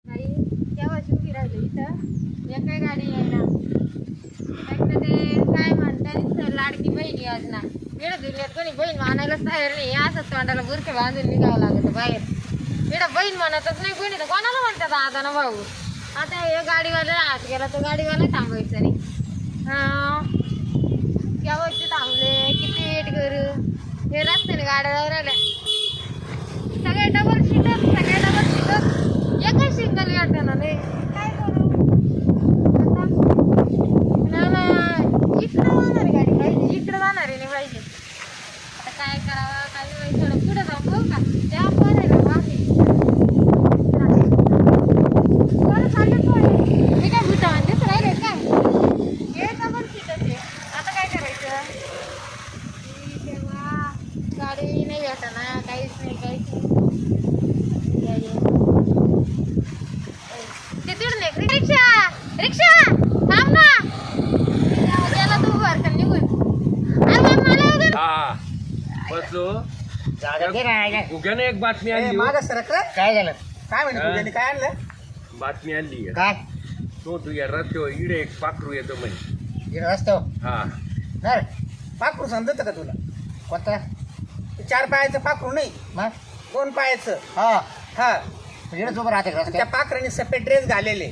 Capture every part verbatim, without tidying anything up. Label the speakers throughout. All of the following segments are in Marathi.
Speaker 1: आई केव्हाची उभी राहिली इथं एक काही गाडी यायला फक्त ते काय म्हणतात लाडकी बहीण योजना इकडे दुनियात कोणी बहीण मानायलाच तयार नाही असंच तोंडाला बुरखे बांधून निघावं लागतं बाहेर इकडं बहीण म्हणतच नाही कोणी तर कोणाला म्हणतात आता ना भाऊ आता हे गाडीवाला आत गेला तर गाडीवाला थांबायचं नाही केव्हाचे थांबले किती वेट करू हे रस्त्याने गाड्या राहिल्या सगळे डबल सीटर सगळे डबल सीटर एकच सिंगल गाड्यानं नाही काय करू आता इकडं जाणार गाडी पाहिजे इकडं जाणार आहे नाही पाहिजे आता काय करावं काय नाही थोडं पुढं जाऊ बघू का त्या पण आहे ना मागे कोण चाललं कोण मी काय भूता म्हणतेच राहिले काय हे डबल सीटर आहे आता काय करायचं तेव्हा गाडी नाही भेटणार काहीच नाही काहीच नाही ते तिकडून एक रिक्षा रिक्षा थांब ना त्याला तू वर कर निघून अरे बाप मला वगैरे
Speaker 2: हा बसलो गुग्याने एक बातमी आणली हो.
Speaker 3: मागं सरक रे.
Speaker 4: काय झालं
Speaker 3: काय म्हणते
Speaker 2: हा?
Speaker 3: तुझ्याने काय आणलं
Speaker 2: बातमी आणली
Speaker 4: काय
Speaker 2: तो तुझ्या रस्त्यावर इडे एक पाखरू येतो म्हणे
Speaker 4: इकडे रस्तो
Speaker 2: हा
Speaker 4: तर
Speaker 3: पाखरू समजत का तुला
Speaker 4: कोणता
Speaker 3: ते चार पायाचं पाखरू नाही
Speaker 4: मग
Speaker 3: दोन पायाचं
Speaker 4: हा
Speaker 3: हा
Speaker 4: इकडेच उभं राहते
Speaker 3: त्या
Speaker 4: रस्त्यात
Speaker 3: पाखराने सफेद ड्रेस घालेले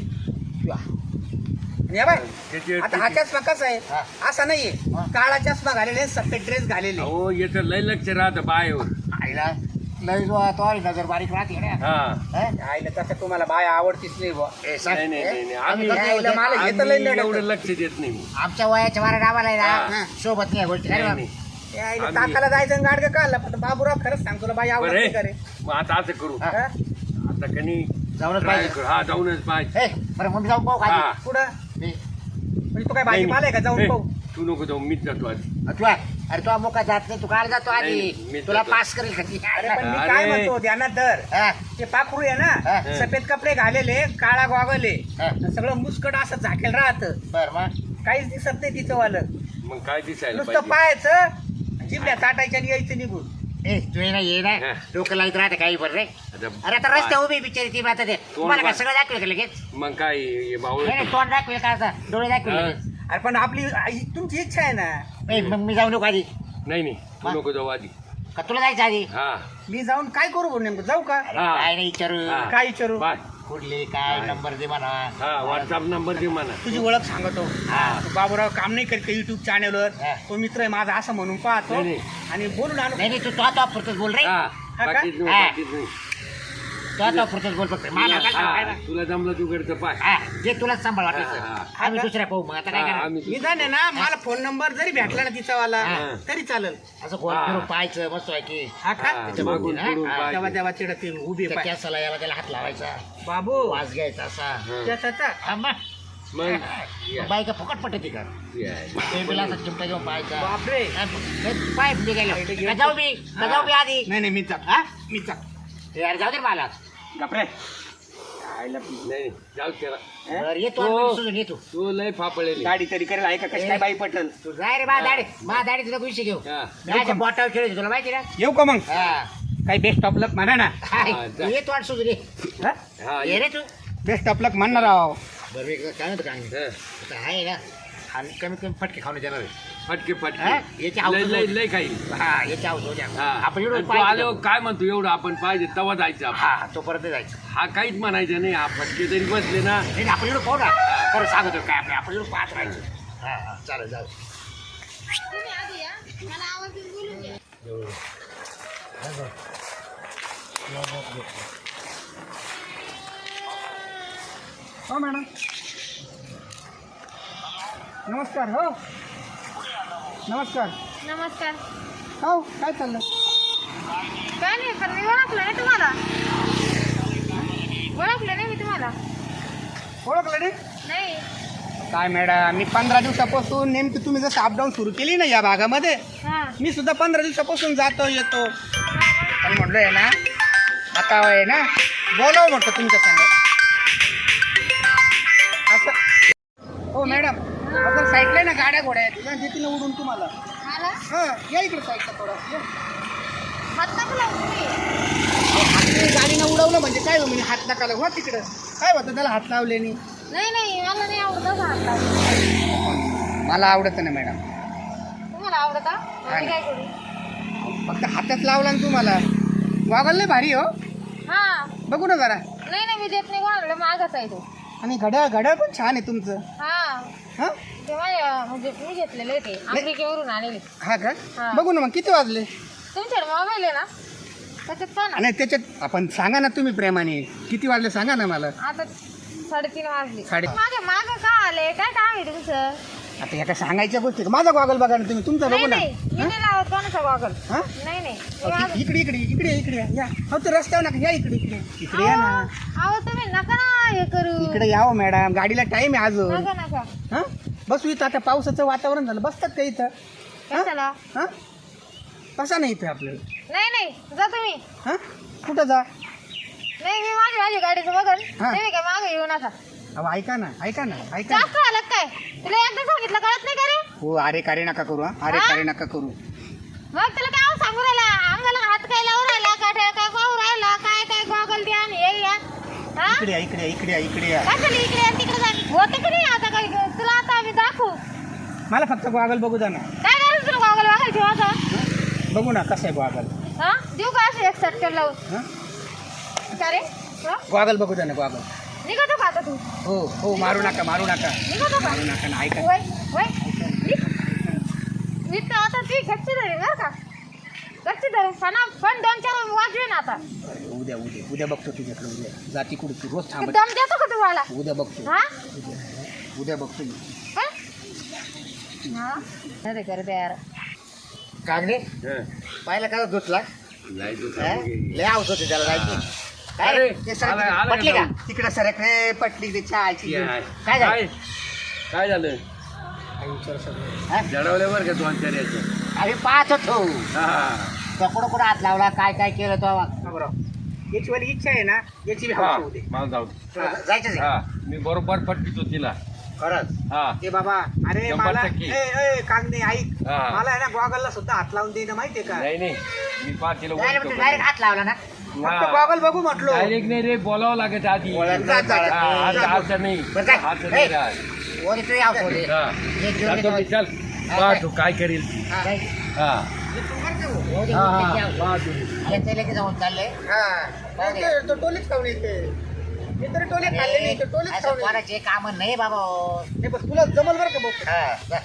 Speaker 3: या बाय
Speaker 2: त्याचे-
Speaker 3: आता हा चष्मा कसा आहे
Speaker 4: हा.
Speaker 3: असा नाहीये
Speaker 4: हा.
Speaker 3: काळा चष्मा घालेले सफेद ड्रेस घालेले
Speaker 2: अहो याचं लय लक्ष राहतं बायवर
Speaker 4: आईला लय जो तो आली नजर बारीक राहते ना
Speaker 2: हा
Speaker 4: हं?
Speaker 3: आईला तसं तुम्हाला बाय आवडतीच नाही बुवा
Speaker 4: ए, सांग.
Speaker 2: नाही नाही नाही नाही.
Speaker 4: आम्ही
Speaker 2: आम्ही
Speaker 4: काय
Speaker 3: आईला मला हे तर लय
Speaker 2: आम्ही
Speaker 3: नडतं.
Speaker 2: एवढं लक्ष देत नाही मी.
Speaker 4: आमच्या वयाच्या बारा डाबाला आहे
Speaker 2: हा.
Speaker 4: ना सोबत नाही या गोष्टी काय
Speaker 2: नाही,
Speaker 4: रे
Speaker 2: नाही.
Speaker 3: ए, आईला
Speaker 2: आम्ही-
Speaker 3: ताकाला जायचं गाडगं काढला पण बाबूराव खरंच सांग तुला बाई
Speaker 2: बरं
Speaker 3: आवडते का रे
Speaker 2: आहे. मग आता असं करू
Speaker 4: हा.
Speaker 3: हा?
Speaker 2: आता कनी
Speaker 4: जाऊनच
Speaker 2: try
Speaker 4: पाहिजे
Speaker 2: करू. हा जाऊनच पाहिजे
Speaker 4: ए बरं मग मी जाऊन पाहू
Speaker 2: हा.
Speaker 4: खाली
Speaker 3: कुठं
Speaker 4: मी
Speaker 3: म्हणजे तू काय
Speaker 2: नाही,
Speaker 3: भाजीपाला आहे का जाऊन
Speaker 2: नाही.
Speaker 3: पाहू
Speaker 2: तू नको जाऊ मीच जातो आधी
Speaker 4: तू आहे. अरे तू मोका जात नाही तू काल जातो
Speaker 2: नाही, नाही,
Speaker 4: आधी
Speaker 2: मी
Speaker 4: तुला
Speaker 2: जातो.
Speaker 4: पास करेल का ती?
Speaker 3: अरे पण मी
Speaker 2: अरे.
Speaker 3: काय म्हणतो ध्यानात धर
Speaker 4: हा,
Speaker 3: ते पाखरू आहे ना
Speaker 4: हा.
Speaker 3: सफेद कपडे घालेले काळा गॉगल आहे
Speaker 4: हा.
Speaker 3: आणि सगळं मुस्कट असं झाकेल राहतं
Speaker 4: बरं मग
Speaker 3: काहीच दिसत नाही तिचं वालं
Speaker 2: मग काय दिसायला
Speaker 3: नुसतं
Speaker 2: पाहिजे
Speaker 3: पाहायचं जिबल्या ताटायच्या आणि यायचं निघून
Speaker 4: ए तू ये ना ये ना
Speaker 2: हा.
Speaker 4: डोकं लाईत राहते काही बरं रे
Speaker 2: आता
Speaker 4: अरे आता रस्ते उभी बिचारी ती आता ते तुम्हाला काय
Speaker 2: बा-
Speaker 4: सगळं दाखवेल का लगेच
Speaker 2: मग काय हे बावळ
Speaker 4: नाही नाही, तोंड दाखवेल का आता डोळे दाखवेल
Speaker 2: हा.
Speaker 4: लगेच
Speaker 3: अरे पण आपली आई- तुमची इच्छा आहे ना
Speaker 4: ए, मग मी जाऊ नको आधी
Speaker 2: नाही नाही तू
Speaker 4: हा.
Speaker 2: नको जाऊ आधी
Speaker 4: का तुला जायचं आधी
Speaker 2: हा
Speaker 3: मी जाऊन काय करू बरं नेमकं जाऊ का
Speaker 4: अरे
Speaker 2: हा.
Speaker 4: काय नाही विचारू
Speaker 2: हा.
Speaker 3: काय विचारू
Speaker 2: बाय
Speaker 4: कुठले काय
Speaker 2: काय?
Speaker 4: नंबर दे म्हणा
Speaker 2: हा व्हॉट्सअप नंबर दे मला
Speaker 3: तुझी ओळख सांगतो
Speaker 4: हा.
Speaker 3: तू बाबूराव काम नाही करीत का युट्यूब चॅनलवर
Speaker 4: हा.
Speaker 3: तो मित्र आहे माझा असं म्हणून पाहतो
Speaker 2: नाही, नाही.
Speaker 3: आणि बोलून आणू
Speaker 4: नाही नाही तू तो तो पुरतच बोल रे
Speaker 2: हा
Speaker 3: हा का?
Speaker 2: बाकीच नाही
Speaker 4: हा.
Speaker 2: बाकीच नाही
Speaker 4: तो तो पुरतच बोल फक्त मला काय सांगू, काय
Speaker 2: हा,
Speaker 4: नाही.
Speaker 2: तुला जमलं तू करतं पाय
Speaker 4: हा जे तुलाच सांभाळ
Speaker 2: हा,
Speaker 4: वाटायचं
Speaker 2: हा.
Speaker 4: आम्ही दुसऱ्या पाहू मग आता काय
Speaker 2: हा,
Speaker 4: करा
Speaker 2: आम्ही
Speaker 3: मी जाणे ना मला फोन नंबर जरी भेटला ना तिचा वाला
Speaker 4: हा.
Speaker 3: तरी चालेल
Speaker 4: असं गोल
Speaker 2: हा.
Speaker 4: फिरून पाहायचं मस्त आहे की
Speaker 3: हा का
Speaker 2: हा,
Speaker 4: त्याच्या
Speaker 2: मागून
Speaker 4: बरोबर,
Speaker 2: पुढून
Speaker 4: हा,
Speaker 2: पाय.
Speaker 3: तेव्हा तेव्हा तिकडे ते उभी
Speaker 4: त्या
Speaker 3: पाय
Speaker 4: कॅसाला याला त्याला हात लावायचा
Speaker 3: बाबू
Speaker 4: वाज घ्यायचा असा
Speaker 2: हा.
Speaker 3: त्याचा
Speaker 4: हा, मग.
Speaker 2: मग या.
Speaker 4: बायका फुकट पडते ती का
Speaker 2: या.
Speaker 4: टेबल असा चिमटा घेऊन पाहायचा
Speaker 3: बापरे
Speaker 4: हा, हे पाय निघायला का जाऊ मी का जाऊ मी आधी
Speaker 3: नाही नाही मी जात
Speaker 4: हा
Speaker 3: मी जात
Speaker 4: यार जाऊ दे मला
Speaker 3: बापरे
Speaker 2: नाही नाही, जाऊ त्याला
Speaker 4: बरं येतो
Speaker 2: हो.
Speaker 4: आम्ही सुजून येतो
Speaker 2: तू लय फापळेली
Speaker 3: गाडी तरी करेल आहे का कशी काय बाई पटल
Speaker 4: तू जाय रे मा दाढी मा दाढी तुला विषय घेऊ
Speaker 2: हा.
Speaker 4: माझ्या बोटावर खेळायची तुला माहिती ना
Speaker 3: येऊ का मग
Speaker 4: हा
Speaker 3: काही बेस्ट ऑफ लक म्हणा ना
Speaker 4: हाय,
Speaker 2: जा.
Speaker 4: तू येतो आणि सुजून ये
Speaker 3: हा?
Speaker 2: हा
Speaker 4: ये रे तू
Speaker 3: बेस्ट ऑफ लक म्हणणार आहो
Speaker 4: बरं मी काय म्हणतो काय
Speaker 2: हा.
Speaker 4: आता आहे ना आणि कमीत कमी फटके खाऊन देणार आहे.
Speaker 2: फटके
Speaker 4: हा?
Speaker 2: फटके
Speaker 4: याची
Speaker 2: लय
Speaker 4: आवड
Speaker 2: लय लय काही
Speaker 4: हा याची आवड होत्या
Speaker 2: हा.
Speaker 4: आपण एवढं
Speaker 2: आणि तू
Speaker 4: पाहिजे
Speaker 2: आलो काय म्हणतो एवढं आपण पाहिजे तवा जायचं आपण.
Speaker 4: हा तो परत जायचं
Speaker 2: हा काहीच म्हणायचं नाही हा फटके तरी बसले ना
Speaker 4: नाही नाही, आपण एवढं पाहू ना खरं सांगतो काय आपलं आपण एवढं पाहत राहायचं हा हा चालेल चालेल
Speaker 1: तुम्ही आधी या मला आवाज देऊन बोलून घ्या
Speaker 3: हो मॅडम नमस्कार हो नमस्कार
Speaker 1: नमस्कार
Speaker 3: हो काय चाललं
Speaker 1: काय नाही पण मी ओळखलं नाही तुम्हाला ओळखलं नाही मी तुम्हाला
Speaker 3: ओळखलं नाही
Speaker 1: नाही
Speaker 3: काय मॅडम मी पंधरा दिवसापासून नेमकी तुम्ही जसं अपडाऊन सुरू केली ना या भागामध्ये
Speaker 1: हां
Speaker 3: मी सुद्धा पंधरा दिवसापासून जातो येतो पण म्हटलं आहे ना आता आहे ना बोलावं म्हटलं तुमच्या संग असं हो मॅडम अगर साईडला ना गाड्या घोड्या आहेत ना देतील ना उडून तुम्हाला
Speaker 1: मला
Speaker 3: हां या इकडे साईडला थोडं या.
Speaker 1: हात नको लावू तुम्ही
Speaker 3: हात गाडीनं उडवलं म्हणजे काय हो म्हणजे हात नका लावू, हो तिकडं काय होतं त्याला हात लावले नाही?
Speaker 1: नाही नाही मला नाही आवडत असं हात लावणं.
Speaker 3: मला आवडत नाही मॅडम.
Speaker 1: तुम्हाला आवडता मी काय करू?
Speaker 3: फक्त हातात लावला ना तुम्हाला. गॉगल लय भारी हो.
Speaker 1: हा
Speaker 3: बघू ना जरा.
Speaker 1: नाही नाही मी देत नाही कोणाला मागच आहे तो.
Speaker 3: आणि घड्याळ घड्याळ पण छान आहे तुमचं.
Speaker 1: हा
Speaker 3: हा
Speaker 1: ते माझ्या म्हणजे मी घेतलेले ते अमेरिकेवरून आणले.
Speaker 3: हा का?
Speaker 1: हा.
Speaker 3: बघू ना मग किती वाजले?
Speaker 1: तुमच्याकडे मोबाईल आहे ना त्याच्यात पण
Speaker 3: आणि त्याच्यात आपण सांगा ना तुम्ही प्रेमाने किती वाजले सांगा ना मला.
Speaker 1: आता साडेतीन वाजले.
Speaker 3: साडे-
Speaker 1: माझ्या माग का आले काय काम आहे तुमचं?
Speaker 3: आता ह्या काय सांगायच्या गोष्टी का? माझा गॉगल बघा ना तुम्ही तुमचा
Speaker 1: नाही
Speaker 3: बघू ना.
Speaker 1: नाही मी नाही लावत कोणाचा गॉगल.
Speaker 3: हा
Speaker 1: नाही नाही
Speaker 3: अहो, इ- इकडे इकडे इकडे इकडे या. या हो ते रस्त्यावर नका या इकडे इकडे इकडे या ना.
Speaker 1: अहो अहो, तुम्ही नका ना हे करू.
Speaker 3: इकडे यावं मॅडम गाडीला टाइम आहे अजून.
Speaker 1: नका नका
Speaker 3: हा बसू इथं आता पावसाचं वातावरण झालं बसतात का इथं? हा?
Speaker 1: कशाला?
Speaker 3: हा बसा नाही इथं आपल्याला.
Speaker 1: नाही नाही जा तुम्ही.
Speaker 3: हा कुठं जा?
Speaker 1: नाही मी माझी माझी गाडीचं बघल.
Speaker 3: हा.
Speaker 1: तुम्ही काय मागे येऊ नका.
Speaker 3: अहो ऐका ना ऐका ना ऐका ना.
Speaker 1: जास्त झालं काय? तुला एकदा सांगितलं कळत नाही का रे?
Speaker 3: हो अरे कारे नका करू हा अरे
Speaker 1: हा?
Speaker 3: कारे नका करू.
Speaker 1: मग तुला काय सांगू राहिला? अंगाला हात काय लावून राहिला काठ्या काय पाहू राहिला काय काय गॉगल द्या आणि हे या. हा
Speaker 3: इकडे या इकडे या इकडे या इकडे या.
Speaker 1: काय झालं इकडे आणि तिकडे जा. होतं की नाही आता काय तुला आता आम्ही दाखवू.
Speaker 3: मला फक्त गॉगल बघू द्या ना.
Speaker 1: काय करायचं तुला गॉगल बघायची माझा?
Speaker 3: बघू ना कसं आहे गॉगल.
Speaker 1: हा देऊ का असं एक सटकन लावून?
Speaker 3: हा
Speaker 1: का रे? हा?
Speaker 3: गॉगल बघू द्या ना गॉगल.
Speaker 1: निघतो का आता तू?
Speaker 3: हो हो मारू नका मारू नका
Speaker 1: निघतो का?
Speaker 3: मारू नका ना ऐका.
Speaker 1: वय वय निघ. मी तर आता ती गच्ची धरेन बरं का? गच्ची धरेन सणा पण दोन चार वाजवेन आता.
Speaker 3: उद्या उद्या उद्या बघतो तुझ्याकडे उद्या जाती कुठे तू रोज थांबत.
Speaker 1: दम देतो का तुम्हाला?
Speaker 3: उद्या बघतो
Speaker 1: हा
Speaker 3: उद्या उद्या बघतो मी.
Speaker 1: हा? हा अरे करते यार.
Speaker 4: कागणे
Speaker 2: हं.
Speaker 4: पाहिलं का धुतला
Speaker 2: नाही तू
Speaker 4: हा?
Speaker 2: सांगू घे.
Speaker 4: लय आवत होते त्याला जायची काय
Speaker 2: अरे,
Speaker 4: ते सरक-
Speaker 2: आला- आला
Speaker 4: पटली
Speaker 2: का
Speaker 4: का?
Speaker 2: जाऊन?
Speaker 3: तिकडे सरक रे पटली ते चहाची.
Speaker 2: काय
Speaker 4: काय झालं?
Speaker 2: काय काय झालं
Speaker 4: हा?
Speaker 2: जडवले बरं का दोन चार याच्या
Speaker 4: आम्ही पाहत होतो
Speaker 2: हा
Speaker 4: तो कुठं कुठं हात लावला काय काय केलं तो
Speaker 3: याची वाली इच्छा आहे ना याची बी
Speaker 2: हा
Speaker 3: हौस होऊ दे.
Speaker 2: मला जाऊ
Speaker 4: जायचं
Speaker 2: हा मी बरोबर पटवितो तिला
Speaker 4: खरंच
Speaker 2: हा
Speaker 3: ए बाबा अरे
Speaker 2: शंभर
Speaker 3: मला
Speaker 2: टक्के.
Speaker 3: ए ए कागणे ऐक
Speaker 2: हा.
Speaker 3: मला आहे ना गॉगलला सुद्धा हात लावून दे ना माहितीये का?
Speaker 2: नाही नाही मी पाच तिला
Speaker 4: डायरेक्ट हात लावला ना
Speaker 3: फक्त गॉगल बघू म्हटलो.
Speaker 2: डायरेक्ट नाही रे बोलावं लागत आधी
Speaker 4: बोलायला
Speaker 3: जा, जा, जा.
Speaker 2: हा,
Speaker 4: लागत.
Speaker 2: आता आता नाही
Speaker 4: बरं काय?
Speaker 2: आता नाही
Speaker 4: ए.
Speaker 2: राहत.
Speaker 4: वर तू याव सोडे
Speaker 2: हा.
Speaker 4: एक घेऊन
Speaker 2: जातो मी,
Speaker 4: येतो.
Speaker 2: चल
Speaker 4: हा,
Speaker 2: पहा
Speaker 4: काय?
Speaker 2: तू काय करील ती.
Speaker 4: हा.
Speaker 2: हा
Speaker 4: हो दे,
Speaker 2: हा,
Speaker 4: हो दे,
Speaker 2: हा,
Speaker 4: याव.
Speaker 2: पहा तू.
Speaker 4: आणि ते लगेच जाऊन चाललंय
Speaker 3: हा नाही, ते- तो टोलीच खाऊन येते. मी तरी टोली खाल्ले नाही, तो टोलीच
Speaker 4: असं
Speaker 3: खाऊन येते.
Speaker 4: कोणाचे काम नाही बाबा
Speaker 3: हे बघ तुला जमल बरं का बघ.
Speaker 4: हा, जा.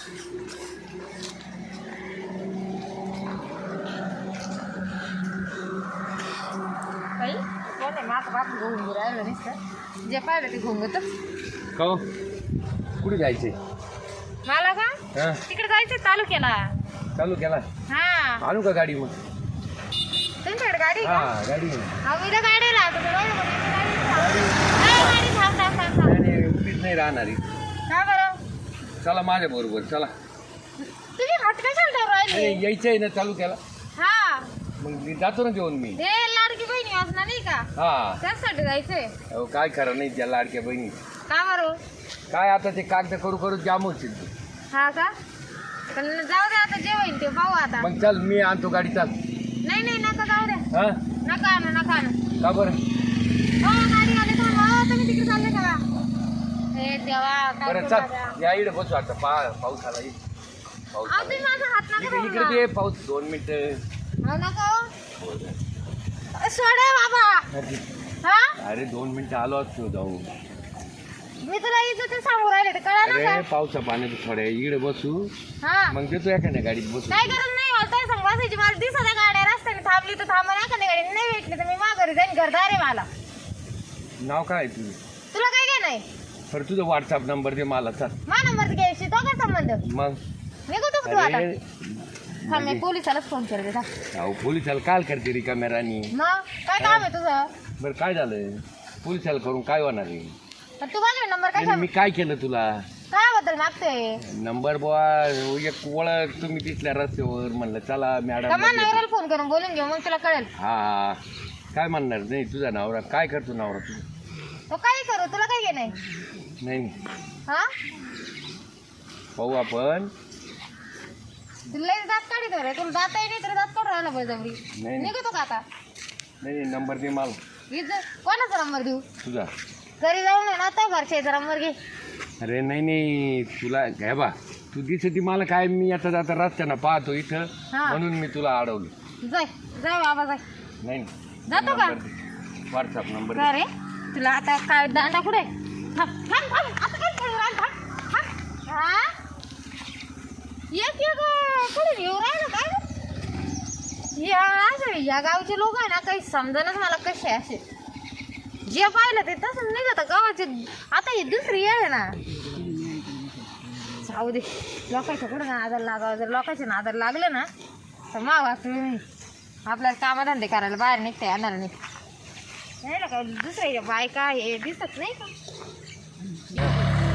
Speaker 1: बाई कोण आहे माझं बाप घेऊन राहिलं नुसतं. जे पाहिलं ते घोंगतच.
Speaker 2: का हो? कुठे जायचे
Speaker 1: मला का
Speaker 2: हा
Speaker 1: तिकडे जायचं तालुक्याला.
Speaker 2: चालू केला
Speaker 1: हा
Speaker 2: आणू का गाडी मग
Speaker 1: तुमच्याकडे गाडी आहे
Speaker 2: हा
Speaker 1: का?
Speaker 2: गाडी आहे.
Speaker 1: हा मी तर गाडीला आता तुला एवढं म्हणलं, गाडी थांब. नाही, गाडी थांब थांब थांब थांब.
Speaker 2: नाही, नाही, उभीच नाही राहणार ही.
Speaker 1: का बरं?
Speaker 2: चला माझ्या बरोबर चला
Speaker 1: तुम्ही हात कशाला ठेवून राहिले?
Speaker 2: नाही, यायचं आहे ना चालू केला
Speaker 1: हा
Speaker 2: मग मी जातो ना घेऊन मी
Speaker 1: हे लाडकी बहिणी वाचना नाही का
Speaker 2: हा
Speaker 1: त्यासाठी जायचंय.
Speaker 2: अहो काय खरं नाही त्या लाडक्या बहिणी
Speaker 1: का बरं?
Speaker 2: काय आता ते कागद करू करू जाम होतील ते.
Speaker 1: हा का पण जाऊ दे आता जे होईल ते पाहू आता.
Speaker 2: मग चल मी आणतो गाडी चाल
Speaker 1: नाही नाही नका जाऊ द्या.
Speaker 2: हा
Speaker 1: नका आणू नका आणू.
Speaker 2: का बरं
Speaker 1: हो गाडी आली थांब. हो तुम्ही तिकडे चालले का? हे देवा काय
Speaker 2: बरं
Speaker 1: करू आता?
Speaker 2: चल या इकडे बसू आता पा पाऊस आला इकडे. पाऊस
Speaker 1: अहो
Speaker 2: आला
Speaker 1: तुम्ही माझा हात नका
Speaker 2: इकडे
Speaker 1: धरू
Speaker 2: इकडे
Speaker 1: ना.
Speaker 2: ते पाऊस दोन मिनिटं
Speaker 1: हो नका हो. सोडे बाबा. हा
Speaker 2: अरे दोन मिनिटं आलो असतो जाऊ
Speaker 1: मी तुला इथं ते सांगू राहिले ते कळा ना
Speaker 2: अरे
Speaker 1: का?
Speaker 2: पावसा पाण्यात थोड्या इकडे बसू
Speaker 1: हा
Speaker 2: मग देतो एखाद्या गाडीत बसू
Speaker 1: काय गरज नाही मला काय सांग बसायची. मला दिसत आहे गाड्या रस्त्याने थांबली तर थांबा ना का गाडी नाही भेटली तर मी माघारी जाईन घरदार आहे मला.
Speaker 2: नाव काय तुझं
Speaker 1: तुला काय काय नाही.
Speaker 2: बरं तुझं व्हॉट्सअप नंबर दे मला चल
Speaker 1: मा नंबर घ्यायची तो काय संबंध.
Speaker 2: मग
Speaker 1: निघतो का तू आता?
Speaker 2: अरे
Speaker 1: थांब मी पोलिसालाच फोन करते थांब.
Speaker 2: अहो पोलिसाला काल करते रिकाम्या राणी
Speaker 1: मग काय काम आहे तुझं?
Speaker 2: बरं काय झालं पोलिसाला करून काय होणार आहे
Speaker 1: पण तू माझा नंबर काय
Speaker 2: नाही, मी काय केलं तुला
Speaker 1: काय बद्दल मागते?
Speaker 2: नंबर बुवा एक ओळख तुम्ही तिथल्या रस्त्यावर म्हणलं चला मॅडम
Speaker 1: कमा नवऱ्याला फोन करून बोलून घेऊ मग तुला कळेल.
Speaker 2: हा काय म्हणणार नाही तुझा नवरा काय करतो नवरा तुझा
Speaker 1: तो काही करू तुला काय घे नाही.
Speaker 2: नाही
Speaker 1: हा
Speaker 2: पाहू आपण
Speaker 1: तुला लई दात काढित रे. तुला दात आहे नाही तर दात काढून राहिला बळजबरी.
Speaker 2: नाही.
Speaker 1: निघतो का आता?
Speaker 2: नाही नंबर दे मला
Speaker 1: इज्जत कोणाचा नंबर देऊ?
Speaker 2: तुझा
Speaker 1: घरी जाऊन आहे ना तो घरचे जरा मुलगी
Speaker 2: अरे नाही नाही तुला घ्या बा तू दिसती मला काय मी आता जाता रस्त्यानं पाहतो इथं
Speaker 1: हा.
Speaker 2: म्हणून मी तुला अडवलं.
Speaker 1: जाय जाय बाबा जाय
Speaker 2: नाही
Speaker 1: जातो का
Speaker 2: व्हॉट्सअप नंबर
Speaker 1: का रे तुला आता काय दांडा कुठे थांब थांब थांब आता काय खेळू राहिला थांब थांब हा एक एक कुठे येऊ राहिलं काय गं? या असं या गावचे लोक आहे ना काही समजणच मला कसे असे जे पाहिलं ते तसं निघत गावाचे आता ही दुसरी येळ आहे ना जाऊ दे लोकांच्या कुठं नादाला लागावं जर लोकांच्या नादाला लागलं ना तर मा वाचलं नाही आपल्याला कामधंदे करायला बाहेर निघता येणार नाही नाही ना काय दुसऱ्या बायका हे दिसत नाही का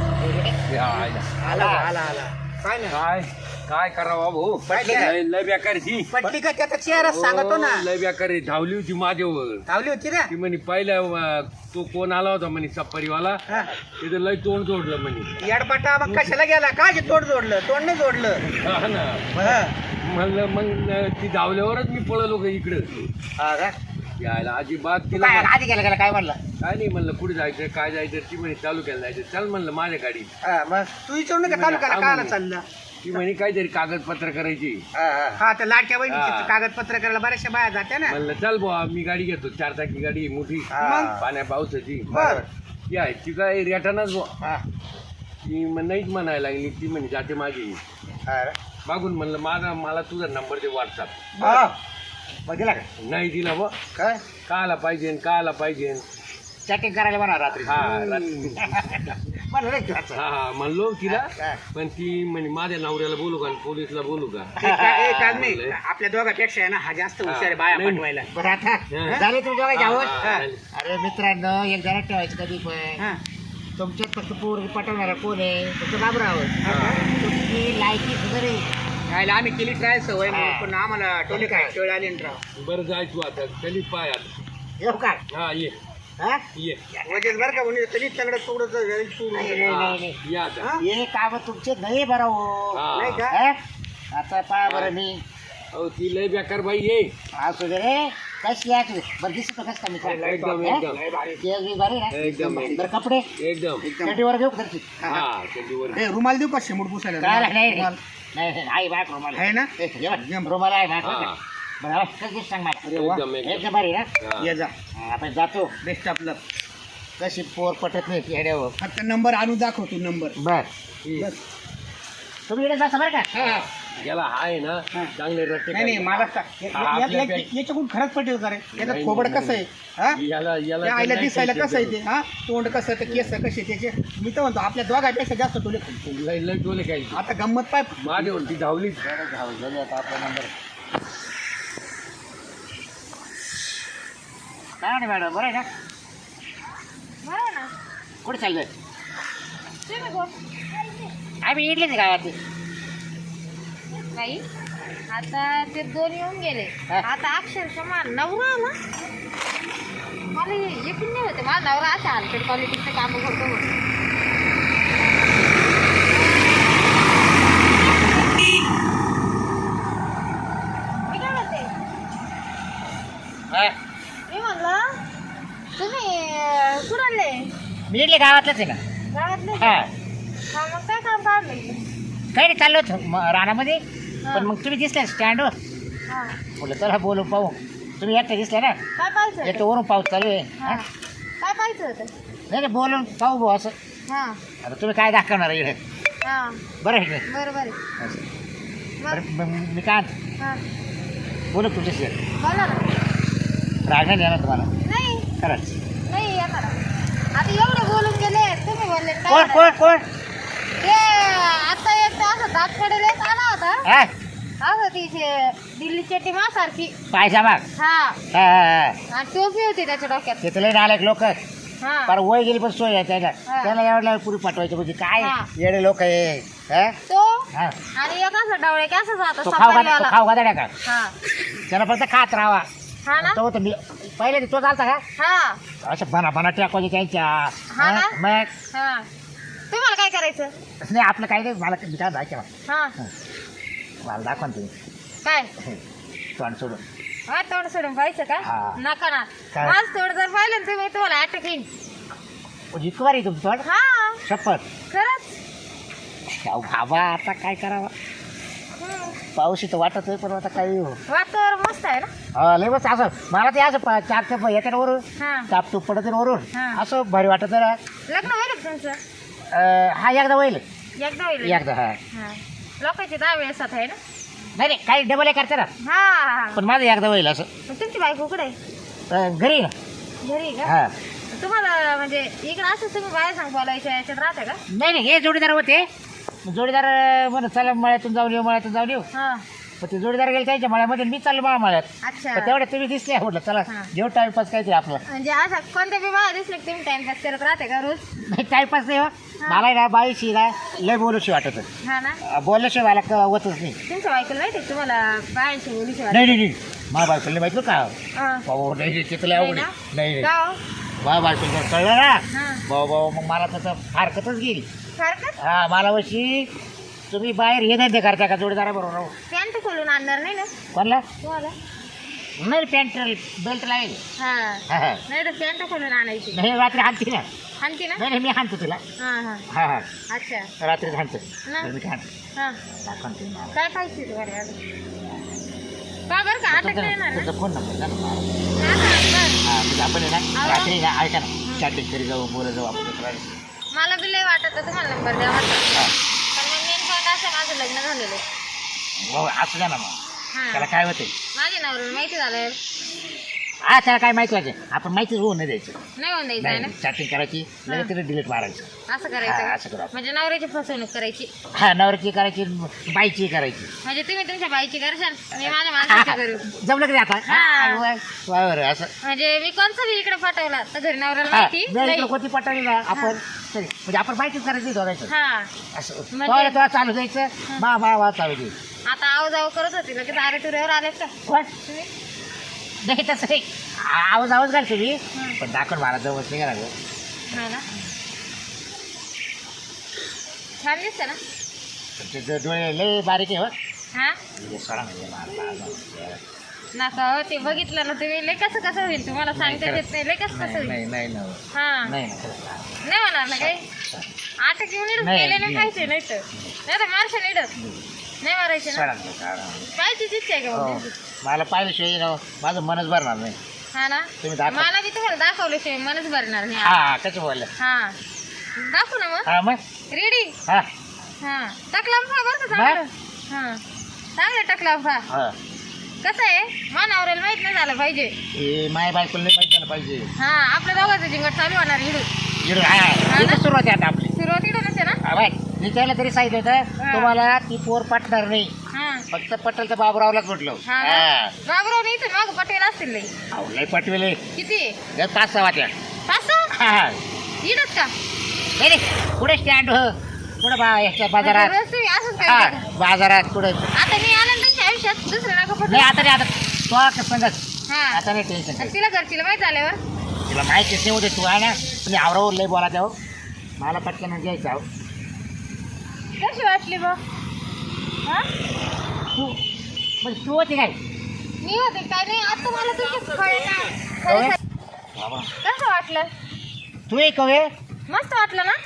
Speaker 3: आला आला आला काय नाही
Speaker 2: काय काय करावं भाऊ
Speaker 3: पटली का?
Speaker 2: लय लय बेकारची
Speaker 3: पटली का त्याचा चेहरा सांगतो ना
Speaker 2: लय बेकार धावली होती माझ्यावर
Speaker 3: धावली होती ना
Speaker 2: ती म्हणे पहिल्या अं, तो कोण आला होता म्हणे सप्पारीवाला
Speaker 3: हा.
Speaker 2: तिथं लय तोंड जोडलं म्हणे
Speaker 3: येडपाटा मग कशाला गेला काय तोंड जोडलं तोंड नाही जोडलं
Speaker 2: हा ना
Speaker 3: हा.
Speaker 2: म्हणलं मग अं, ती धावल्यावरच मी पळलो का इकडं
Speaker 3: हा का?
Speaker 2: यायला अजिबात तिला
Speaker 3: काय आधी गेला गेला काय म्हणलं
Speaker 2: काय नाही म्हणलं कुठे जायचं काय जायचं ती म्हणे चालू केलं जायचं चल म्हणलं माझ्या गाडी
Speaker 3: हा, मग तू विचारू नका चालू करा कायला चाललं
Speaker 2: ती म्हणे काहीतरी कागदपत्र करायची
Speaker 3: हा तर लाडक्या
Speaker 2: हा.
Speaker 3: बहिणीची कागदपत्र करायला बऱ्याचशा बाया जात्या ना
Speaker 2: म्हणलं चल बुवा मी गाडी घेतो चार चाकी गाडी आहे मोठी
Speaker 3: मग?
Speaker 2: पाण्या पावसाची
Speaker 3: बर
Speaker 2: ती आहे ती काय रेटानाच बुवा
Speaker 3: हा.
Speaker 2: ती म्हण- नाहीच म्हणायला लागली ती म्हणे जाते माझी
Speaker 3: हा.
Speaker 2: मागून म्हणलं माझा मला तुझा नंबर दे व्हॉट्सअप
Speaker 3: हा. मग दिला का
Speaker 2: नाही दिला बुवा
Speaker 3: काय
Speaker 2: का आला पाहिजे का आला पाहिजे
Speaker 3: चॅटिंग करायला म्हणा रात्री
Speaker 2: हा रात्री.
Speaker 3: म्हणलं नाही घ्यायचं.
Speaker 2: हा हा म्हणलो तिला
Speaker 3: हा.
Speaker 2: पण ती म्हणे माझ्या नवऱ्याला बोलू का आणि पोलीसला बोलू का
Speaker 3: ते काय- ए, काय नाही आपल्या दोघांपेक्षा आहे ना हा जास्त हुशार आहे बाया
Speaker 2: नाही.
Speaker 3: पाठवायला बरं आता
Speaker 2: हा.
Speaker 3: झाले तुम्ही दोघं जावं
Speaker 2: हा, हा, झाले.
Speaker 3: अरे मित्रांनो एक जरा ठेवायचं कधी पण तुमच्यात फक्त पोरगी पटवणारा कोण आहे तुमचं बाबराव तुमची लायकी सुधारे खायला आम्ही केली ट्राय सवय म्हणून, पण आम्हाला टोले काय टोळे आले ना राव
Speaker 2: बरं जाय तू आता कधी पाय आता
Speaker 3: येऊ का
Speaker 2: हा ये
Speaker 3: हा
Speaker 2: ये
Speaker 3: वजन बरं का म्हणजे तरी तंगडं तुकडं
Speaker 2: हा, ये आता
Speaker 3: हे काम तुमचे नाही बरं हो
Speaker 2: हा.
Speaker 3: नाही का हा? आता पहा बरं मी
Speaker 2: अहो ती लय बेकार बाई ये
Speaker 3: असू दे रे कशी आहे तू बरं दिसतो कसं का मी
Speaker 2: एकदम एकदम
Speaker 3: ते बरी ना
Speaker 2: एकदम
Speaker 3: बरं कपडे
Speaker 2: एकदम
Speaker 3: चटीवर घेऊ का तशी?
Speaker 2: हा कधीवर
Speaker 3: ए रुमाल देऊ का शेमूट पुसायला काय नाही रुमाल नाही नाही, आहे बाय रुमाल आहे ना ए, हे बघ, रुमाल आहे बाय
Speaker 2: हा.
Speaker 3: बरं हा, कसं सांग मला
Speaker 2: एकदम एकदम
Speaker 3: एकदम भारी ना
Speaker 2: हा.
Speaker 3: ये जा हा, आपण जातो बेस्ट आपलं कशी पोर पटत नाही येड्यावर फक्त नंबर आणून दाखव तू नंबर बर
Speaker 2: हम्म.
Speaker 3: तुम्ही इकडे जा बरं का
Speaker 2: याला आहे ना चांगले रट्टे
Speaker 3: नाही नाही
Speaker 2: काढले.
Speaker 3: मला
Speaker 2: हा, आपल्या बॅग-
Speaker 3: याच्याकडून खरंच पटेल का रे याचं
Speaker 2: नाही,
Speaker 3: थोबड
Speaker 2: नाही,
Speaker 3: कसं आहे हा
Speaker 2: याला याला
Speaker 3: त्या आईला
Speaker 2: तर
Speaker 3: दिसायला
Speaker 2: नाही
Speaker 3: कसं आहे ते हा तोंड कसं ते केस कसे त्याचे मी तर म्हणतो आपल्या दोघांपेक्षा जास्त टोले
Speaker 2: खायचे. लय लय टोले काय
Speaker 3: आता गंमत पाय
Speaker 2: माझ्यावर ती धावली
Speaker 3: आपला नंबर काय नाही मॅडम बरं आहे ना
Speaker 1: बरं ना
Speaker 3: कुठे चाललंय
Speaker 1: तुम्ही कोण
Speaker 3: आम्ही इडलीच गावात
Speaker 1: नाही आता ते दोन येऊन गेले
Speaker 3: हा.
Speaker 1: आता अक्षरशः मा नवरा आला मला एकूण नाही होते माझा नवरा असा हलकट क्वालिटीचं काम करतो म्हणून. मी काय म्हणते मी म्हणलं तुम्ही अं, कुठं आले
Speaker 3: मी इडली गावातलंच आहे का
Speaker 1: गावातले
Speaker 3: हा
Speaker 1: हा मग काय काम काढलं
Speaker 3: काही नाही चाललो होतो म- रानामध्ये पण मग तुम्ही दिसले स्टँडवर
Speaker 1: हा
Speaker 3: म्हटलं चला बोलू पाहू तुम्ही एकटे दिसले ना
Speaker 1: काय पाहिजे
Speaker 3: एकटं वरून पाऊस चालू आहे
Speaker 1: हा
Speaker 3: हा?
Speaker 1: काय पाहिजे होतं
Speaker 3: नाही नाही बोलून पाहू भाऊ असं
Speaker 1: हा
Speaker 3: आता तुम्ही काय दाखवणार इकडे
Speaker 1: हा
Speaker 3: बरं आहे की नाही?
Speaker 1: बरं बरं
Speaker 3: असं.
Speaker 1: मग
Speaker 3: बरं मग मी काय म्हणतो,
Speaker 1: हा
Speaker 3: बोलू तुमच्याशी
Speaker 1: बोला ना
Speaker 3: राग नाही येणार तुम्हाला
Speaker 1: नाही
Speaker 3: खरंच
Speaker 1: नाही येणार आता एवढे बोलून गेले तुम्ही बोलले काय
Speaker 3: कोण कोण कोण
Speaker 1: ते आता एक तर असं दात पडेल एक आला होता
Speaker 3: हा
Speaker 1: असं तिचे दिल्ली चट्टी सारखी
Speaker 3: पायजा माग
Speaker 1: हा
Speaker 3: हा हा, हा.
Speaker 1: आणि टोपी होती त्याच्या डोक्यात
Speaker 3: ते तुला नालायक लोक
Speaker 1: हा
Speaker 3: पर वय गेली पण सोय आहे त्याला
Speaker 1: हा.
Speaker 3: त्याला एवढ्या पुरी पाठवायचं म्हणजे काय
Speaker 1: हा.
Speaker 3: येडे लोक आहे हा?
Speaker 1: तो
Speaker 3: हा.
Speaker 1: आणि एक असं डवळे की असं जातं
Speaker 3: तो खाऊ घाल
Speaker 1: सफारीवाला.
Speaker 3: तो खाऊ घाल का
Speaker 1: हा
Speaker 3: त्याला फक्त खात राहावा
Speaker 1: हा ना
Speaker 3: तो होतं मी पहिले तो चालता का
Speaker 1: हा
Speaker 3: असं बना बना टाकवायचे त्यांच्या
Speaker 1: हा ना?
Speaker 3: हा? मग
Speaker 1: हा तुम्हाला काय करायचं
Speaker 3: नाही आपलं काही नाही मला मी काय दाखवा
Speaker 1: हा
Speaker 3: मला दाखवा ना तुम्ही
Speaker 1: काय
Speaker 3: तोंड सोडून
Speaker 1: हा तोंड सोडून पाहायचं का
Speaker 3: हा.
Speaker 1: नका ना
Speaker 3: काय?
Speaker 1: माझ तोंड जर पाहिलं ना तुम्ही तुम्हाला अटॅक येईल
Speaker 3: जितकं भारी तुमचं वाट
Speaker 1: हा
Speaker 3: शपथ
Speaker 1: खरंच.
Speaker 3: अहो बाबा आता काय करावं
Speaker 1: हम्म.
Speaker 3: पाऊस इथं वाटत आहे पण आता काही हो
Speaker 1: वातावरण मस्त आहे ना.
Speaker 3: हा, लय बस असं मला ते असं पा- चार चाप येतात वरून
Speaker 1: हा
Speaker 3: तापतूप पडत आहे वरून
Speaker 1: हा.
Speaker 3: असं भारी वाटत आहे ना.
Speaker 1: लग्न होईल का तुमचं?
Speaker 3: अं, हा एकदा होईल
Speaker 1: एकदा होईल.
Speaker 3: एकदा हा
Speaker 1: हा लोकांची दहा वेळेस आहे ना.
Speaker 3: नाही नाही काही डबल हे करते ना
Speaker 1: हा हा
Speaker 3: पण माझं एकदा होईल असं
Speaker 1: मग तुमची बायको कुठे आहे?
Speaker 3: अं, घरी ना
Speaker 1: घरी आहे का?
Speaker 3: हा
Speaker 1: तुम्हाला म्हणजे इकडे असं तुम्ही बाहेर सांग बोलायच्या याच्यात राहते का?
Speaker 3: नाही नाही हे जोडीदार होते जोडीदार अं, म्हणत चला मळ्यातून जाऊन येऊ मळ्यातून जाऊन येऊ
Speaker 1: हा
Speaker 3: पण ते जोडीदार गेले त्यांच्या मळ्यामध्ये मी चाललो मला मळ्यात
Speaker 1: अच्छा.
Speaker 3: पण तेवढ्या तुम्ही दिसले म्हटलं चला
Speaker 1: हा.
Speaker 3: जेव टाइमपास काय ते आपलं
Speaker 1: म्हणजे असं कोणत्या बी बाहेर दिसले की तुम्ही टाइमपास करत राहते का रोज?
Speaker 3: नाही टाइमपास नाही हो मला ना बाईशी ना लय बोलूशी वाटत होतं.
Speaker 1: हा ना.
Speaker 3: अं, बोलल्याशिवाय मला क- होतच नाही
Speaker 1: तुमच्या बायकोला माहिती आहे का तुम्हाला बायांची बोलीची वाटत?
Speaker 3: नाही नाही नाही मला बायकोला माहिती का
Speaker 1: हा.
Speaker 3: भाऊ नाही नाही, तिथं लय
Speaker 1: नाही
Speaker 3: अवघड
Speaker 1: ना?
Speaker 3: आहे. नाही नाही
Speaker 1: का हो?
Speaker 3: मला बायकोला कळलं ना
Speaker 1: हा.
Speaker 3: भाऊ भाऊ मग मला त्याचं फारकतच गेली
Speaker 1: सारखंच
Speaker 3: हा मला वशी तुम्ही बाहेर हे धंदे करता का जोडीदारा बरोबर
Speaker 1: पॅन्ट खोलून आणणार नाही ना
Speaker 3: कोणला
Speaker 1: तुम्हाला?
Speaker 3: नाही पॅन्ट बेल्ट लावेल
Speaker 1: हा
Speaker 3: हा हा
Speaker 1: नाही तर पॅन्ट खोलून आणायची.
Speaker 3: नाही रात्री हाणते ना
Speaker 1: आणते ना.
Speaker 3: नाही नाही मी हाणतो तुला
Speaker 1: हा हा
Speaker 3: हा हा
Speaker 1: अच्छा.
Speaker 3: रात्री हाणतो
Speaker 1: ना.
Speaker 3: तर मी काय हाणतो
Speaker 1: हा
Speaker 3: दाखवून ते मला.
Speaker 1: काय पाहिजे तुम्हाला अजून? का बरं का अटक नाही येणार ना?
Speaker 3: त्याचा फोन नंबर द्या ना मला.
Speaker 1: हा, हा, बरं.
Speaker 3: हा म्हणजे आपण आहे ना
Speaker 1: अहो.
Speaker 3: रात्री ना ऐका ना चॅटिंग करी जाऊ बोलत जाऊ आपण दुसऱ्या दिवशी.
Speaker 1: मला बी लय वाटत होतं तुम्हाला नंबर द्यावा
Speaker 3: हा.
Speaker 1: पण मग मेन पॉईंट असं माझं लग्न झालेलं आहे.
Speaker 3: भाऊ, असू द्या ना मग
Speaker 1: हा
Speaker 3: त्याला काय होते
Speaker 1: माझ्या नवऱ्याला माहिती झालं
Speaker 3: हा त्याला काय माहिती व्हायचं आपण माहितीच होऊन नाही द्यायचं
Speaker 1: नाही होऊन द्यायचं आहे
Speaker 3: नाही
Speaker 1: ना.
Speaker 3: चॅटिंग करायची लगेच तिथे डिलीट मारायचं
Speaker 1: असं
Speaker 3: हा,
Speaker 1: करायचं
Speaker 3: असं करू
Speaker 1: का?
Speaker 3: आपण.
Speaker 1: म्हणजे नवऱ्याची फसवणूक करायची.
Speaker 3: हा नवऱ्याची करायची बाईची करायची
Speaker 1: म्हणजे तुम्ही तुमच्या बाईची करशाल मी माझ्या माणसाची करू.
Speaker 3: जमलं की नाही आता
Speaker 1: हा.
Speaker 3: हा, वा- वा- बरं, असं
Speaker 1: म्हणजे मी कोणचा बी इकडे पाठवला तर घरी नवऱ्याला
Speaker 3: हा,
Speaker 1: माहिती
Speaker 3: जर
Speaker 1: नाही.
Speaker 3: इकडं कोणती पटाली ना आपण तरी, म्हणजे आपण माहितीच करायची दोघायचं
Speaker 1: हा
Speaker 3: असं
Speaker 1: म्हणजे-
Speaker 3: तेव्हा तेव्हा चालू द्यायचं मा मा वा चालू द्यायचं
Speaker 1: आता आव जाव करत होती लगेच आरे तुऱ्यावर आलेत का
Speaker 3: कोण?
Speaker 1: तुम्ही?
Speaker 3: नाही तसं नाही आवाज आवाज घालतो मी
Speaker 1: हं.
Speaker 3: पण दाखवून मला जवळ नाही घालावं
Speaker 1: हा ना. छान दिसतं ना.
Speaker 3: पण ते ज- डोळे लय बारीक आहे हो
Speaker 1: हा
Speaker 3: म्हणजे सोडा म्हणजे मला- मला-
Speaker 1: नका हो ते बघितलं ना तुम्ही लय कसं कसं होईल तुम्हाला सांगता येत नाही लय कसं कसं
Speaker 3: नाही
Speaker 1: होईल.
Speaker 3: नाही नाही ना
Speaker 1: हा
Speaker 3: नाही ना खरंच नाही.
Speaker 1: नाही होणार ना काही आठ घेऊन इडून
Speaker 3: नाही,
Speaker 1: गेले नाही
Speaker 3: नाही.
Speaker 1: खायचे नाही तर नाही तर मारशे इडत नाही मारायचे ना.
Speaker 3: सोडा ना, सोडा ना.
Speaker 1: पाहिजेच इच्छा आहे का
Speaker 3: हो.
Speaker 1: मग तुमची?
Speaker 3: मला पाहिल्याशिवाय ना माझं मनच भरणार नाही
Speaker 1: हा ना.
Speaker 3: तुम्ही दाखवा.
Speaker 1: मला बी तुम्हाला दाखवल्याशिवाय मनच भरणार नाही.
Speaker 3: हा कसं बोललं
Speaker 1: हा दाखवू ना मग
Speaker 3: हा मग
Speaker 1: रेडी.
Speaker 3: हा
Speaker 1: हा टकला फा बरं का चांगलं. हा चांगलं टकला फा.
Speaker 3: हा
Speaker 1: कसं आहे मानावरेला माहित नाही झालं पाहिजे.
Speaker 3: हे माय बायकोला नाही माहिती झालं पाहिजे
Speaker 1: हा आपल्या दोघांचं जिंगट चालू होणार इडून
Speaker 3: इकडं हा
Speaker 1: ना?
Speaker 3: इथं सुरुवात आहे आता आपली
Speaker 1: सुरुवात इडून असे ना.
Speaker 3: हा बाय मी त्याला तरी सांगितलं होतं
Speaker 1: हा.
Speaker 3: तुम्हाला ती पोर पटणार नाही
Speaker 1: हा
Speaker 3: फक्त पटेल तर बाबरावलाच म्हटलं
Speaker 1: हा
Speaker 3: हा
Speaker 1: बाबराव नाही तर माग पटेल असतील लई.
Speaker 3: अहो, लय पटवेले
Speaker 1: किती
Speaker 3: त्या पाच सहा वाट्या
Speaker 1: पाच सहा
Speaker 3: हा हा
Speaker 1: इडत का
Speaker 3: नाही नाही पुढे स्टँड हो पुढे बा याच्या बाजारात
Speaker 1: म्हणजे रोज तुम्ही असंच
Speaker 3: हा
Speaker 1: करता का?
Speaker 3: बाजारात पुढे
Speaker 1: आता मी आले ना त्यांच्या आयुष्यात दुसरं नका पटवू.
Speaker 3: नाही आता नाही आता तो आता सांगत
Speaker 1: हा
Speaker 3: आता नाही टेन्शन
Speaker 1: आणि तिला घरचीला माहित झाल्यावर
Speaker 3: तिला माहितीच नाही होते तू आहे ना तुम्ही आवरावर लय बोला जाऊ मला पटकन घ्यायचं आहो
Speaker 1: कशी वाटली बा हा
Speaker 3: तू म्हणजे तू होती काय
Speaker 1: मी होते काय नाही आता मला तुमचे खरं
Speaker 3: बाबा
Speaker 1: कसं वाटलं
Speaker 3: तू एक कवे
Speaker 1: मस्त वाटलं ना.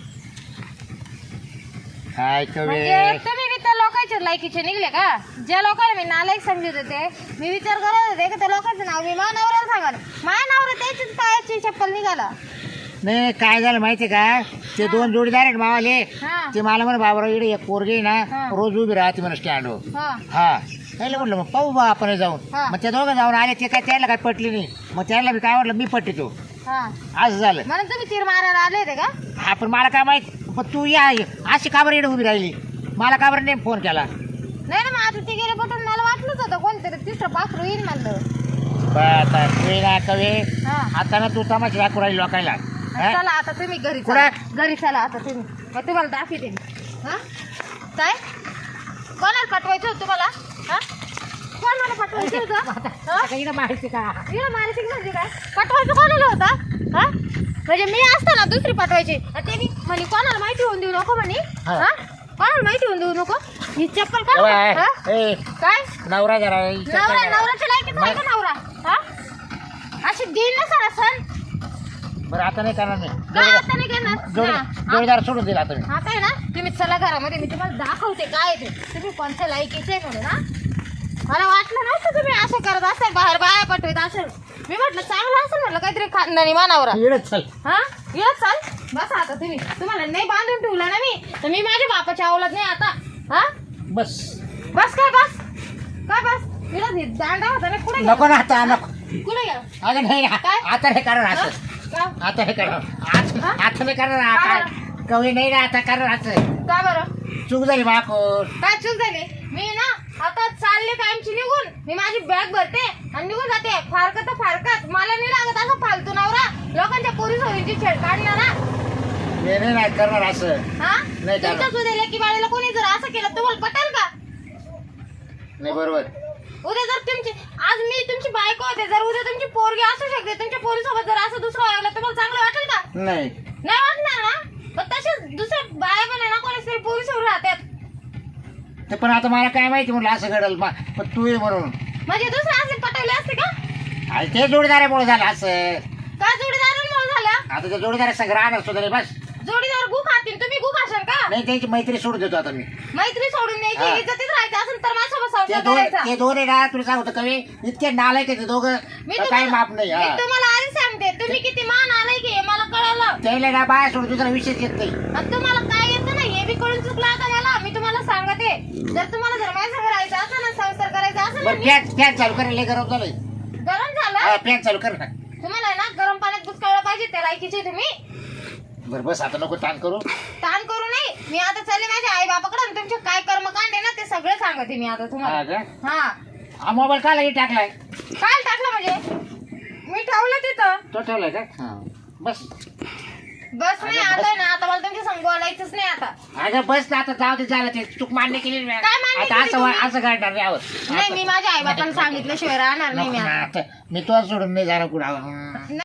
Speaker 3: काय कवे
Speaker 1: म्हणजे तुम्ही बी त्या लोकांच्या लायकीचे निघले का ज्या लोकांना मी नालायक समजत होते मी विचार करत होते की त्या लोकांचं नाव मी माझ्या नवऱ्याला सांगाल माझ्या नवरा त्याच्याच पायाची चप्पल निघाला.
Speaker 3: नाही काय झालं माहिती का ते दोन जोडीदार आहेत मावाले
Speaker 1: हा
Speaker 3: ते मला म्हणे बाबराव इकडे एक पोरगी आहे ना
Speaker 1: हा.
Speaker 3: रोज उभी राहते म्हणा स्टँडवर
Speaker 1: हा
Speaker 3: हा त्याला म्हटलं मग पाहू बा आपण जाऊन
Speaker 1: हा.
Speaker 3: मग ते दोघं जाऊन आले ते काय त्याला काय पटली नाही मग त्याला मी काय म्हटलं मी पटतो
Speaker 1: हा
Speaker 3: असं झालं
Speaker 1: म्हणून तुम्ही तीर मारायला आले होते का.
Speaker 3: हा पण मला काय माहित पण तू या अशी का बरं इकडे उभी राहिली मला का बरं नाही फोन केला
Speaker 1: नाही ना मग आता ते गेले पटून मला वाटलंच होतं कोणतरी तिसरं पाखरू येईल म्हणलं.
Speaker 3: बरं, आता तू ना कवे
Speaker 1: हा
Speaker 3: आता ना तू तमाशा दाखवू राहिली लोकायला हा?
Speaker 1: चला आता तुम्ही घरी
Speaker 3: कुठं?
Speaker 1: चला घरी चला आता तुम्ही मग तुम्हाला दाखवते मी. हा काय कोणाला पाठवायचं होतं तुम्हाला. हा कोणाला पाठवायचं होतं हा?
Speaker 3: आता इकडं माहिती का
Speaker 1: हिला मानसिक म्हणजे काय पाठवायचं कोणाला होता. हा म्हणजे मी असताना दुसरी पाठवायची आणि ते मी म्हणे कोणाला माहिती होऊन देऊ नको म्हणे.
Speaker 3: हा.
Speaker 1: हा कोणाला माहिती होऊन देऊ नको ही चप्पल का
Speaker 3: ए,
Speaker 1: हा?
Speaker 3: ए,
Speaker 1: काय
Speaker 3: नवरा जरा विचार
Speaker 1: नवरा
Speaker 3: करा.
Speaker 1: नवऱ्याच्या लायकीचा आहे का नवरा. हा अशी देईल ना सर सण
Speaker 3: बरं आता नाही करणार मी
Speaker 1: काय आता नाही करणार
Speaker 3: जोडी
Speaker 1: ना.
Speaker 3: जोडीदार सोडून दिला आता मी
Speaker 1: आता आहे ना तुम्ही चला घरामध्ये मी तुम्हाला दाखवते काय आहे ते तुम्ही कोणत्या लायकीचे आहे म्हणून हा मला वाटलं नव्हतं तुम्ही असं करत असेल बाहेर बाया पटवत असेल मी म्हटलं चांगलं असेल म्हटलं काहीतरी खानदानी मानावर
Speaker 3: येडच चल
Speaker 1: हा ये चाल बस आता तुम्ही तुम्हाला नाही बांधून ठेवलं ना मी तर मी माझ्या बापाच्या अवलाद नाही आता हा
Speaker 3: बस
Speaker 1: बस काय बस काय बस इला दांडा होता ना कुठे
Speaker 3: नको ना आता नको
Speaker 1: कुठे गेला
Speaker 3: अगं नाही ना.
Speaker 1: काय?
Speaker 3: आता हे करणार
Speaker 1: हा?
Speaker 3: असं
Speaker 1: का
Speaker 3: आता हे करणार आज-
Speaker 1: हा?
Speaker 3: आता नाही करणार आता कवी नाही ना आता करणार असं
Speaker 1: का बरं
Speaker 3: चूक झाली माकोर
Speaker 1: काय चूक झाली मी ना आता चालले कायमची निघून मी माझी बॅग भरते आणि निघून जाते फारकत तर फारकत मला नाही लागत असं फालतू नवरा लोकांच्या पोरी सोयीची छेड काढणार ना
Speaker 3: मी नाही ना करणार असं
Speaker 1: हा
Speaker 3: नाही करणार.
Speaker 1: तुमच्या सुद्धा लेकी बाळीला कोणी जर असं केलं तुम्हाला पटेल का
Speaker 3: नाही बरोबर
Speaker 1: उद्या जर तुमची आज मी तुमची बायको होते जर उद्या तुमची पोरगी असू शकते तुमच्या पोरीसोबत जर असं दुसरं व्हायला तुम्हाला चांगलं वाटेल का
Speaker 3: नाही
Speaker 1: नाही वाटणार ना पण तसेच दुसऱ्या बाया पण आहे ना कोणी तरी पोरीसोबत राहतात
Speaker 3: ते पण आता मला काय माहिती म्हटलं असं घडल मा- पण तू ये म्हणून
Speaker 1: म्हणजे दुसरे असे पटवले असते का
Speaker 3: आणि ते जोडीदारामुळे झालं असं
Speaker 1: काय जोडीदारांमुळे झालं
Speaker 3: आता ते जोडीदार संग राहणार सुद्धा नाही बस
Speaker 1: जोडीदार गु खातील तुम्ही गु खाशाल का
Speaker 3: नाही त्यांची मैत्री सोडून देतो आता मी
Speaker 1: मैत्री सोडून
Speaker 3: हा.
Speaker 1: द्यायची इज्जतीत राहायचं असेल तर माझ्यासोबत
Speaker 3: ते
Speaker 1: संसार
Speaker 3: दोन
Speaker 1: करायचा
Speaker 3: ते दोन आहे ना तुला सांगतो कवी इतके नालायक आहे ते दोघं
Speaker 1: मी
Speaker 3: तर काही माप
Speaker 1: तुम्हाला
Speaker 3: नाही
Speaker 1: मी
Speaker 3: हा
Speaker 1: तुम्हाला आधी सांगते तुम्ही किती मान आलाय की हे मला कळलं
Speaker 3: त्याला ना बाय सोडून दुसरा विषयच येत नाही
Speaker 1: आणि तुम्हाला काय येतं ना हे बी कळून चुकलं आता मला मी तुम्हाला सांगते जर तुम्हाला जर माझ्या संग राहायचं असेल ना संसार करायचा असेल ना
Speaker 3: बरं फॅन फॅन चालू करायला लय गरम झालंय
Speaker 1: गरम झालं
Speaker 3: हा फॅन चालू कर ना
Speaker 1: तुम्हाला आहे ना गरम पाण्यात बुचकाळलं पाहिजे त्या लायकीचे तुम्ही
Speaker 3: बरं बस आता नको ताण करू
Speaker 1: ताण करू नये मी आता चालले माझ्या आई बापाकडे आणि तुमचे काय कर्मकांड आहे ना ते सगळे सांगते मी आता
Speaker 3: हा
Speaker 1: तुम्हाला
Speaker 3: का
Speaker 1: हा
Speaker 3: हा मोबाईल का लगे टाकलाय
Speaker 1: काय टाकलं म्हणजे मी ठेवलं तिथं
Speaker 3: तो ठेवलाय का हा बस
Speaker 1: बस नाही आता आहे ना आता मला तुमच्या संग बोलायचंच नाही आता
Speaker 3: अगं बस ना आता जाऊ दे झालं ते चूक मान्य केली ना.
Speaker 1: काय मान्य
Speaker 3: आता
Speaker 1: केली
Speaker 3: असं
Speaker 1: तुम्ही?
Speaker 3: असं काढणार नाही आहोत
Speaker 1: नाही मी माझ्या आई बापाला सांगितल्याशिवाय राहणार नाही
Speaker 3: नको
Speaker 1: मी
Speaker 3: ना,
Speaker 1: आता
Speaker 3: आता मी तो सोडून नाही जाणार कुठं